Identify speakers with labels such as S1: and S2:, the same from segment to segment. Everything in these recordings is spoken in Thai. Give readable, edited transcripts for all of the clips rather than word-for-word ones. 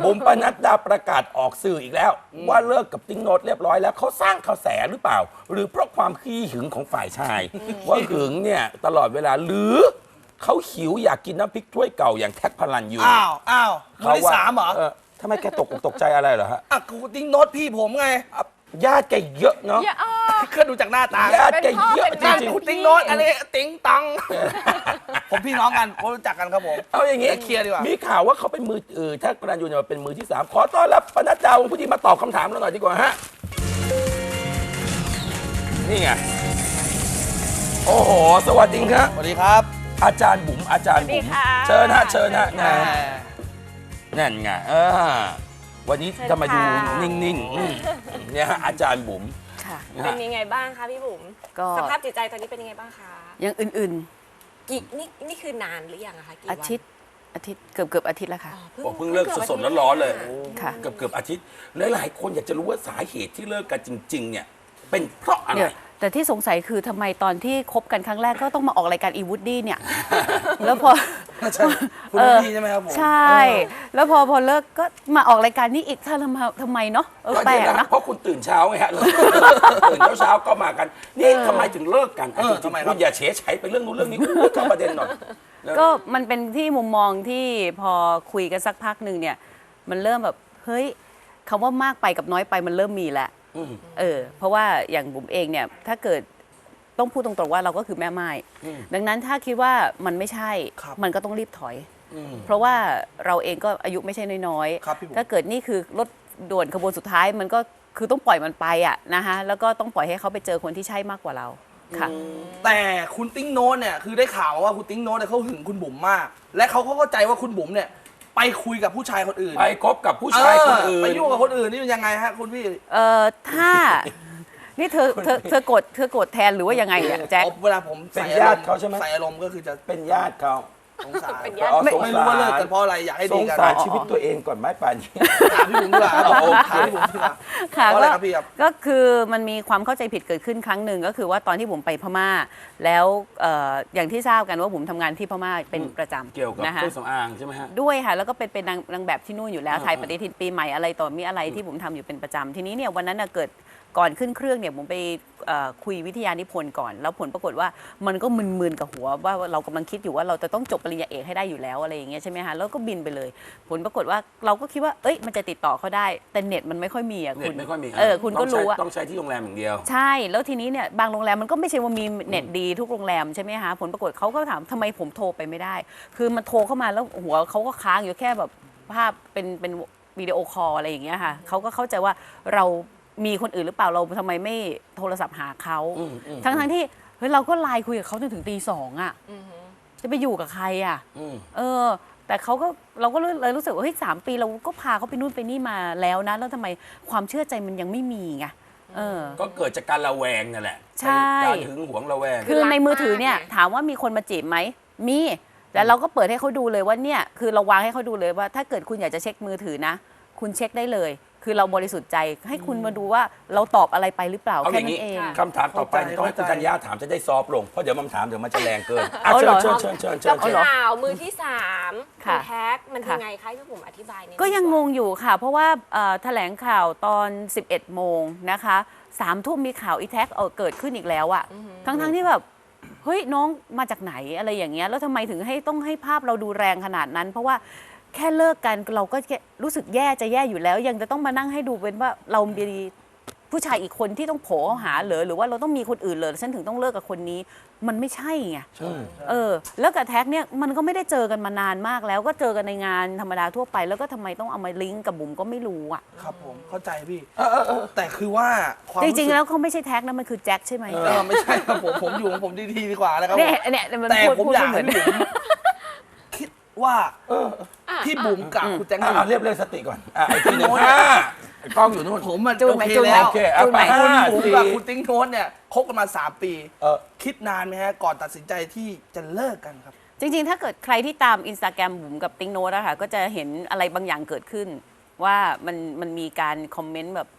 S1: บุ๋มปนัดดาประกาศออกสื่ออีกแล้ว ว่าเลิกกับติ๊งโนตเรียบร้อยแล้วเขาสร้างกระแสหรือเปล่า หรือเพราะความขี้หึงของฝ่ายชาย ว่าหึงเนี่ยตลอดเวลาหรือเขาหิวอยากกินน้ำพริกถ้วยเก่าอย่างแท็กพลันยู
S2: อ้าวมือที่สามเหรอ
S1: ทำไมแกตกอกตกใจอะไรเหรอฮะ
S2: กูติ๊งโน้ตพี่ผมไง
S1: ญาติแกเยอะเนาะ
S2: ก็ดูจากหน้าตา
S1: ญาติแกเยอะจริงๆ
S2: คุณติ๊งโน้ตอะไรติ๊งตังผมพี่น้องกันผมรู้จักกันครับผม
S1: เอาอย่างงี้
S2: เคลียร์ดีกว่า
S1: มีข่าวว่าเขาเป็นมือแท็กพลันยูเนี่ยเป็นมือที่สามขอต้อนรับปนัดดาวงผู้ดีมาตอบคำถามเราหน่อยดีกว่าฮะนี่ไงโอ้โหสวัสดีครับ
S2: สวัสดีครับ
S1: อาจารย์บุ๋มอาจารย์บุ๋มเชิญฮะเชิญฮะนั่นไงวันนี้จะมาดูนิ่งๆเนี่ยฮะอาจารย์บุ๋ม
S3: เป็นยังไงบ้างคะพี่บุ๋มสภาพจิตใจตอนนี้เป็นยังไงบ้างคะ
S4: ยังอื่น
S3: ๆนี่คือนานหรือยังอะคะกี่วัน
S4: อาทิตย์เกือบอาทิตย์แล้วค่ะ
S1: เพิ่งเลิกสดๆร้อนๆเลย
S4: เ
S1: กือบอาทิตย์หลายๆคนอยากจะรู้ว่าสาเหตุที่เลิกกันจริงๆเนี่ยเป็นเพราะอะไร
S4: แต่ที่สงสัยคือทำไมตอนที่คบกันครั้งแรกก็ต้องมาออกรายการอีวูดดี้เนี่ยแล้วพอ
S2: คุณดีใช่ไหมครับผม
S4: ใช่แล้วพอเลิกก็มาออกรายการนี้อีกทำไมเนาะแปลกนะ
S1: เพราะคุณตื่นเช้าไงฮะตื่นเช้าก็มากันนี่ทำไมถึงเลิกกันทำไมคุณอย่าเฉยๆไปเรื่องนู้นเรื่องนี้เข้าประเด็นหน่อย
S4: ก็มันเป็นที่มุมมองที่พอคุยกันสักพักหนึ่งเนี่ยมันเริ่มแบบเฮ้ยคำว่ามากไปกับน้อยไปมันเริ่มมีแล้วเพราะว่าอย่างบุ๋มเองเนี่ยถ้าเกิดต้องพูดตรงๆว่าเราก็คือแม่ไม้ดังนั้นถ้าคิดว่ามันไม่ใช่มันก็ต้องรีบถอยเพราะว่าเราเองก็อายุไม่ใช่น้อยๆถ้าเกิดนี่คือรถด่วนขบวนสุดท้ายมันก็คือต้องปล่อยมันไปอ่ะนะคะแล้วก็ต้องปล่อยให้เขาไปเจอคนที่ใช่มากกว่าเราค่ะ
S2: แต่คุณติ๊งโน้ตเนี่ยคือได้ข่าวว่าคุณติ๊งโน้ตเนี่ยเขาหึงคุณบุ๋มมากและเขาเข้าใจว่าคุณบุ๋มเนี่ยไปคุยกับผู้ชายคนอื่น
S1: ไปคบกับผู้ชายคนอื่น
S2: ไปยุ่งกับคนอื่นนี่เป็นยังไงฮะคุณพี่
S4: ถ้านี่เธอกดแทนหรือว่ายังไงเนี่ยแจ็ค
S2: เวลาผม
S1: เป็นญาติเขาใช่ไหม
S2: ใส่อารมณ์ก็คือจะ
S1: เป็นญาติเขา
S2: สงสารไม่รู้ว่าเลิกกันเพราะอะไรอยากให้ดีกัน
S1: สงสารชีวิตตัวเองก่อนไหมป่านนี้
S2: ถามพี่บุ๋มดีกว่าถามพี่บุ๋มดีกว่า
S4: ค่ะก็คือมันมีความเข้าใจผิดเกิดขึ้นครั้งหนึ่งก็คือว่าตอนที่ผมไปพม่าแล้วอย่างที่ทราบกันว่าผมทำงานที่พม่าเป็นประจำ
S1: เกี่ยวกับเครื่องสำอางใช่ไหมฮะ
S4: ด้วยค่ะแล้วก็เป็นนางแบบที่นู่นอยู่แล้วไทยปฏิทินปีใหม่อะไรต่อมีอะไรที่ผมทำอยู่เป็นประจำทีนี้เนี่ยวันนั้นเกิดก่อนขึ้นเครื่องเนี่ยผมไปคุยวิทยานิพนธ์ก่อนแล้วผลปรากฏว่ามันก็มึนๆกับหัวว่าเรากำลังคิดอยู่ว่าเราจะต้องจบปริญญาเอกให้ได้อยู่แล้วอะไรอย่างเงี้ยใช่ไหมคะแล้วก็บินไปเลยผลปรากฏว่าเราก็คิดว่าเอ้ยมันจะติดต่อเขาได้แต่เน็ตมันไม่ค่อยมีอ่ะคุณ
S1: ไม่ค่อยมี
S4: คุณก็รู้ว่า
S1: ต้องใช้ที่โรงแรมอย่างเดียว
S4: ใช่แล้วทีนี้เนี่ยบางโรงแรมมันก็ไม่ใช่ว่ามีเน็ตดีทุกโรงแรมใช่ไหมคะผลปรากฏเขาก็ถามทำไมผมโทรไปไม่ได้คือมันโทรเข้ามาแล้วหัวเขาก็ค้างอยู่แค่แบบภาพเป็นวิดีโอคอลอะไรอย่างเงี้ยค่ะเขาก็เข้าใจว่าเรามีคนอื่นหรือเปล่าเราทำไมไม่โทรศัพท์หาเขาทั้งที่เฮ้ยเราก็ไลน์คุยกับเขาจนถึงตี 2อ่ะจะไปอยู่กับใครอ่ะแต่เราก็เลยรู้สึกว่าเฮ้ย3 ปีเราก็พาเขาไปนู่นไปนี่มาแล้วนะแล้วทำไมความเชื่อใจมันยังไม่มีไง
S1: ก็เกิดจากการระแวงนั่นแหละ
S4: ใช่
S1: การหึงหวงระแวง
S4: คือในมือถือเนี่ยถามว่ามีคนมาจีบไหมมีแล้วเราก็เปิดให้เขาดูเลยว่าเนี่ยคือเราวางให้เขาดูเลยว่าถ้าเกิดคุณอยากจะเช็คมือถือนะคุณเช็คได้เลยคือเราบริสุทธิ์ใจให้คุณมาดูว่าเราตอบอะไรไปหรือเปล่าแค่นั้นเอง
S1: คำถามต่อไปต้องให้คุณกัญญาถามจะได้ซอฟลงเพราะเดี๋ยวมันถามเดี๋ยวมันจะแรงเกินเชิญ
S3: กับข่าวมือที่3คุณแท็กมันยังไงคะที่ผมอธิบายนี่
S4: ก็ยังงงอยู่ค่ะเพราะว่าแถลงข่าวตอน11 โมงนะคะ3 ทุ่มมีข่าวอีแท็กเกิดขึ้นอีกแล้วอะทั้งที่แบบเฮ้ยน้องมาจากไหนอะไรอย่างเงี้ยแล้วทำไมถึงต้องให้ภาพเราดูแรงขนาดนั้นเพราะว่าแค่เลิกกันเราก็รู้สึกแย่อยู่แล้วยังจะต้องมานั่งให้ดูเป็นว่าเรามีผู้ชายอีกคนที่ต้องโผล่หาหรือว่าเราต้องมีคนอื่นเลยฉันถึงต้องเลิกกับคนนี้มันไม่ใช่ไงแล้วกับแท็กเนี่ยมันก็ไม่ได้เจอกันมานานมากแล้วก็เจอกันในงานธรรมดาทั่วไปแล้วก็ทำไมต้องเอามาลิงก์กับบุ๋มก็ไม่รู้อ่ะ
S2: ครับผมเข้าใจพี่แต่คือว่า
S4: จริงๆแล้วเขาไม่ใช่แท็กนะมันคือแจ็คใช่ไหม
S2: ไม่ใช่ครับผมอยู่ของผมดีๆดีกว่านะครับ
S4: เนี่ย
S2: แต่ผมอยากให้บุ๋มคิดว่าพี่บุ๋มกับคุณแจ็ค
S1: เรียบสติก่อนไอ้ที่หนึ่งกล้องอยู่นู่น
S2: ผมมันโอเคแล้วคุณบุ๋มกับคุณติ๊งโน้ตเนี่ยคบกันมา3 ปีคิดนานไหมฮะก่อนตัดสินใจที่จะเลิกกันครับ
S4: จริงๆถ้าเกิดใครที่ตาม Instagram บุ๋มกับติ๊งโน้ตอะค่ะก็จะเห็นอะไรบางอย่างเกิดขึ้นว่ามันมีการคอมเมนต์แบบ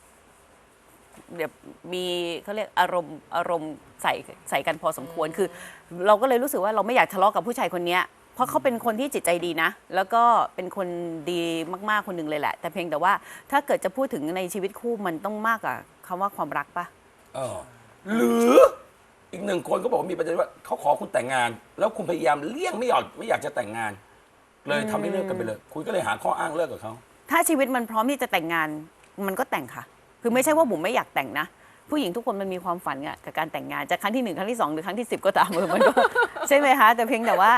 S4: มีเขาเรียกอารมณ์ใส่กันพอสมควรคือเราก็เลยรู้สึกว่าเราไม่อยากทะเลาะกับผู้ชายคนนี้เพราะเขาเป็นคนที่จิตใจดีนะ แล้วก็เป็นคนดีมากๆคนหนึ่งเลยแหละ แต่เพียงแต่ว่าถ้าเกิดจะพูดถึงในชีวิตคู่มันต้องมากกว่าคำว่าความรักปะ
S1: หรืออีกหนึ่งคนก็บอกว่ามีประเด็นว่าเขาขอคุณแต่งงาน แล้วคุณพยายามเลี่ยงไม่อยากจะแต่งงาน เลยทำให้เลิกกันไปเลย คุณก็เลยหาข้ออ้างเลิกกับเขา
S4: ถ้าชีวิตมันพร้อมที่จะแต่งงานมันก็แต่งค่ะ คือไม่ใช่ว่าบุ๋มไม่อยากแต่งนะ ผู้หญิงทุกคนมันมีความฝันกับการแต่งงานจากครั้งที่ 1 ครั้งที่ 2 หรือครั้งที่ 10 ก็ตามมันก็ ใช่ไหมคะแต่เพียงแต่ว่า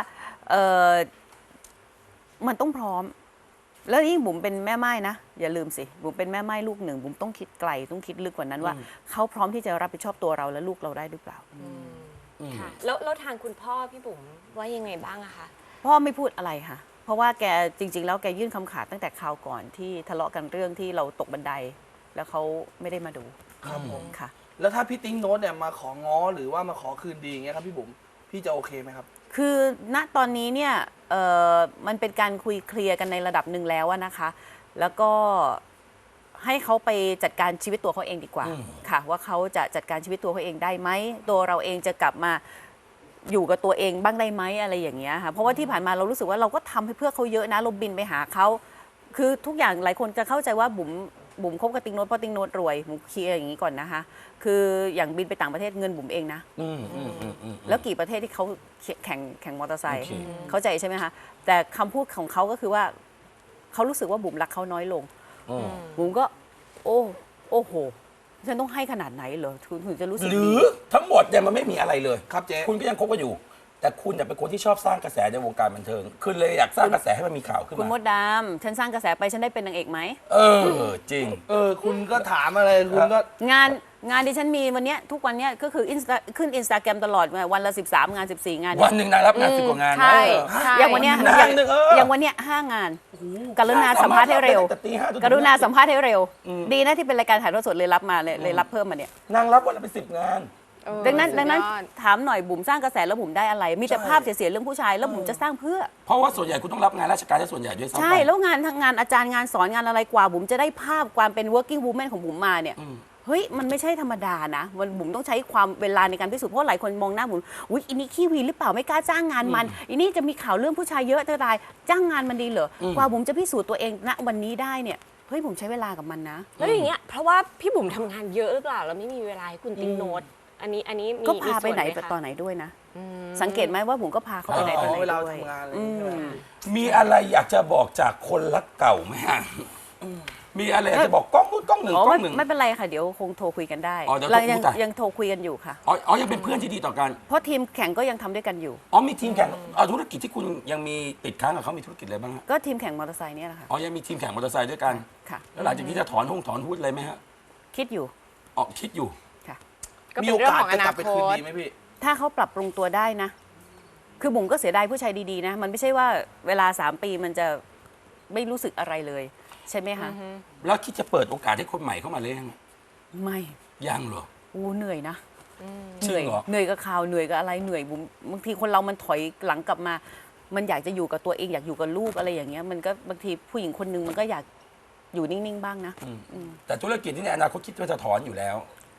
S4: มันต้องพร้อม แล้วยิ่งบุ๋มเป็นแม่ไม้นะอย่าลืมสิบุ๋มเป็นแม่ไม้ลูกหนึ่งบุ๋มต้องคิดไกลต้องคิดลึกกว่านั้นว่าเขาพร้อมที่จะรับผิดชอบตัวเราและลูกเราได้หรือเปล่า
S3: ค่ะแล้วทางคุณพ่อพี่บุ๋มว่ายังไงบ้างอะคะ
S4: พ่อไม่พูดอะไรค่ะ เพราะว่าแกจริง ๆ แล้วแกยื่นคำขาดตั้งแต่คราวก่อนที่ทะเลาะกันเรื่องที่เราตกบันได แล้วเขาไม่ได้มาดู
S2: ครับผม
S4: ค่ะ
S2: แล้วถ้าพี่ติ๊งโน้ตเนี่ยมาของ้อหรือว่ามาขอคืนดีอย่างเงี้ยครับพี่บุ๋มพี่จะโอเคไหมครับ
S4: คือณตอนนี้เนี่ยมันเป็นการคุยเคลียร์กันในระดับหนึ่งแล้วอะนะคะ แล้วก็ให้เขาไปจัดการชีวิตตัวเขาเองดีกว่าค่ะว่าเขาจะจัดการชีวิตตัวเขาเองได้ไหมตัวเราเองจะกลับมาอยู่กับตัวเองบ้างได้ไหมอะไรอย่างเงี้ยค่ะเพราะว่าที่ผ่านมาเรารู้สึกว่าเราก็ทำให้เพื่อเขาเยอะนะเราบินไปหาเขาคือทุกอย่างหลายคนจะเข้าใจว่าบุ๋มคบกับติ๊งโน้ตเพราะติ๊งโน้ตรวยบุ๋มเคลียร์อย่างนี้ก่อนนะคะคืออย่างบินไปต่างประเทศเงินบุ๋มเองนะแล้วกี่ประเทศที่เขาแข่งมอเตอร์ไซค์เข้าใจใช่ไหมคะแต่คำพูดของเขาก็คือว่าเขารู้สึกว่าบุ๋มรักเขาน้อยลงบุ๋มก็โอ้โหฉันต้องให้ขนาดไหนเหรอถึงจะรู้สึก
S1: หรือทั้งหมดเนี่ยมันไม่มีอะไรเลย
S2: ครับเจ๊
S1: คุณก็ยังคบกันอยู่ แต่คุณเนี่ยเป็นคนที่ชอบสร้างกระแสในวงการบันเทิงคุณเลยอยากสร้างกระแสให้มันมีข่าวขึ้น
S4: คุณม
S1: มา
S4: ดดำฉันสร้างกระแสไปฉันได้เป็นนางเอกไหม
S1: จริง
S2: คุณก็ถามอะไรคุณก็
S4: งานที่ฉันมีวันเนี้ยทุกวันเนี้ยก็คือขึ้น Instagram ตลอดวันละ13 งาน 14 งาน
S1: วันหนึ่งนางรับงาน10 กว่างานนะ
S4: ใช่ใช่อย่างวันเนี้ย
S1: นานหนึ่ง
S4: อย่างวันเนี้ย5 งานกรุณาสัมภาษณ์ให้เร็ว
S1: แต่ตีห้าจนถึง
S4: กรุณาสัมภาษณ์ให้เร็ว ดีนะที่เป็นรายการถ่ายทอดสดเลยรับมาเลยรับเพิ่มมาเนี่ย
S1: นางรับวันละเป็น10 งาน
S4: ดังนั้นถามหน่อยบุ๋มสร้างกระแสแล้วบุ๋มได้อะไร มีแต่ภาพเสียๆเรื่องผู้ชายแล้วบุ๋มจะสร้างเพื่อ
S1: เพราะว่าส่วนใหญ่คุณต้องรับงานราชการและส่วนใหญ่ด้วยซ้ำ
S4: ใช่
S1: ไป
S4: แล้วงานทั้งงานอาจารย์งานสอนงานอะไรกว่าบุ๋มจะได้ภาพความเป็น working woman ของบุ๋มมาเนี่ยเฮ้ยมันไม่ใช่ธรรมดานะมันบุ๋มต้องใช้ความเวลาในการพิสูจน์เพราะหลายคนมองหน้าบุ๋มอุ๊ยอินี่ขี้วีหรือเปล่าไม่กล้าจ้างงานมันอินี่จะมีข่าวเรื่องผู้ชายเยอะจะตายจ้างงานมันดีเหรอกว่าบุ๋มจะพิสูจน์ตัวเองณวันนี้ได้เนี่ยเฮ้ยบุ๋มใช้เวลากับมันนะ
S3: แล้วอย่างเงี้ยเพราะว่าพี่บุ๋มทำงานเยอะหรือเปล่าแล้วไม่มีเวลาให้คุณติ๊งโน้ตอันนี้มี
S4: ก็พาไป
S3: ส่ว
S4: ไหน
S3: คะ
S4: ตอนไหนด้วยนะ สังเกตไหมว่าบุ๋มก็พาเขาไปไหนตอนไหน
S2: เวลา
S4: ด้วย
S2: ทำงานอะไรอย่างเงี้ย
S1: มีอะไรอยากจะบอกจากคนรักเก่าไหมฮะมีอะไรอยากจะบอกกล้องนู้นกล้องหนึ่ง
S4: อ๋อก
S1: ล้องหนึ่ง
S4: ไม่เป็นไรค่ะเดี๋ยวคงโทรคุยกันได้
S1: อ๋อเดี๋ยว
S4: เรา
S1: โทรคุย
S4: ยัง
S1: กัน
S4: ยังโทรคุยกันอยู่ค่ะ
S1: อ๋อยังเป็นเพื่อนที่ดีต่อกัน
S4: เพราะทีมแข่งก็ยังทำด้วยกันอยู่
S1: มีทีมแข่งธุรกิจที่คุณยังมีติดค้างกับเขามีธุรกิจอะไรบ้างฮะ
S4: ก็ทีมแข่งมอเตอร์ไซค์เนี่ยแหละค่ะ
S1: ยังมีทีมแข่งมอเตอร์ไซค์ด้วยกัน
S4: ค่ะ
S1: แล้วหลังจากนี้จะถอนหุ้นอะไรไหมฮะ
S4: คิดอยู่
S1: คิดอยู่
S4: ค่ะ
S3: ก็
S2: มี
S3: เป็น
S2: โอ
S3: เรื่อง
S2: กาส
S3: ของอ
S2: จะ
S3: นาก
S2: ลับไป
S3: ค
S2: คืน
S3: ต
S2: ดีไหมพี่
S4: ถ้าเขาปรับปรุงตัวได้นะ คือบุ๋มก็เสียดายผู้ชายดีๆนะ มันไม่ใช่ว่าเวลา3 ปีมันจะไม่รู้สึกอะไรเลย ใช่ไหมคะ
S1: แล้วคิดจะเปิดโอกาสให้คนใหม่เข้ามาเลยยัง
S4: ไม่
S1: ยังเหรอ
S4: เหนื่อยนะ
S1: จริงเหรอ
S4: เหนื่อยกับข่าวเหนื่อยกับอะไรเหนื่อยบุ๋มบางทีคนเรามันถอยหลังกลับมา มันอยากจะอยู่กับตัวเองอยากอยู่กับลูกอะไรอย่างเงี้ยมันก็บางทีผู้หญิงคนนึงมันก็อยากอยู่นิ่งๆบ้างนะ
S1: แต่ธุรกิจที่ในอนาคตคิดว่าจะถอนอยู่แล้ว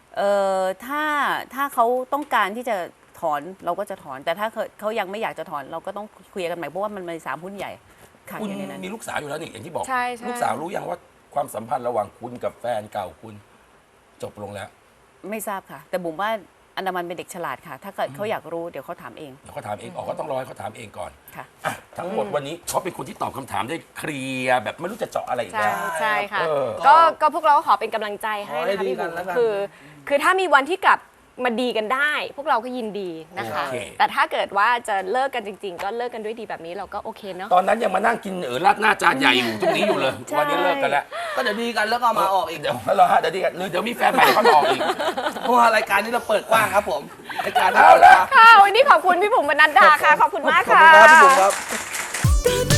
S4: ถ้าเขาต้องการที่จะถอนเราก็จะถอน แต่ถ้าเขายังไม่อยากจะถอนเราก็ต้องคุยกันใหม่เพราะว่ามันมี3 หุ้นใหญ่ค่ะ
S1: คุณ
S4: อยู่ในนั้น
S1: มีลูกสาวอยู่แล้วนี่อย่างที่บอก
S3: ใช่ใช่
S1: ลูกสาวรู้ยังว่าความสัมพันธ์ระหว่างคุณกับแฟนเก่าคุณจบลงแล้ว
S4: ไม่ทราบค่ะ แต่บุ๋มว่าอันดามันเป็นเด็กฉลาดค่ะ ถ้าเกิดเขาอยากรู้เดี๋ยวเขาถามเอง
S1: เดี๋ยวเขาถามเองก็ต้องรอให้เขาถามเองก่อน
S4: ค่ะ
S1: อ่ะทั้งหมดวันนี้เขาเป็นคนที่ตอบคำถามได้เคลียร์แบบไม่รู้จะเจาะอะไรอีก
S3: ใช่
S1: แล้ว
S3: ใช่ค่ะ
S1: เออ
S3: ก็พวกเราก็ขอเป็นกำลังใจให้
S2: ขอให้
S3: นะคะ
S2: ดี
S3: พี่
S2: กั
S3: บุ๋
S2: น
S3: ม
S2: แล้วกัน
S3: คือถ้ามีวันที่กลับมาดีกันได้ พวกเราก็ยินดีนะคะ
S1: โอเค
S3: แต่ถ้าเกิดว่าจะเลิกกันจริง ๆ ก็เลิกกันด้วยดีแบบนี้เราก็โอเคเนาะ
S1: ตอนนั้นยังมานั่งกินราดหน้าจานใหญ่อยู่ตรงนี้อยู่เลย
S3: ใช่
S1: วันนี้เลิกกันแล้ว
S2: ก็เดี๋ยวดีกันแล้วก็มาออกอีก
S1: เดี๋ยวรอฮะเดี๋ยวดีกันหรือเดี๋ยวมีแฟนใหม่เขามาออกอีก
S2: เพราะว่ารายการนี้เราเปิดกว้างครับผมรายการ
S1: เอาละ
S3: ค่ะวันนี้ขอบคุณพี่บุ๋มบรรณัดดาค่ะ ขอบคุณมาก
S2: ขอบ
S3: ค่ะ
S2: คุณครับพี่บุ๋มครับ
S5: ตื่น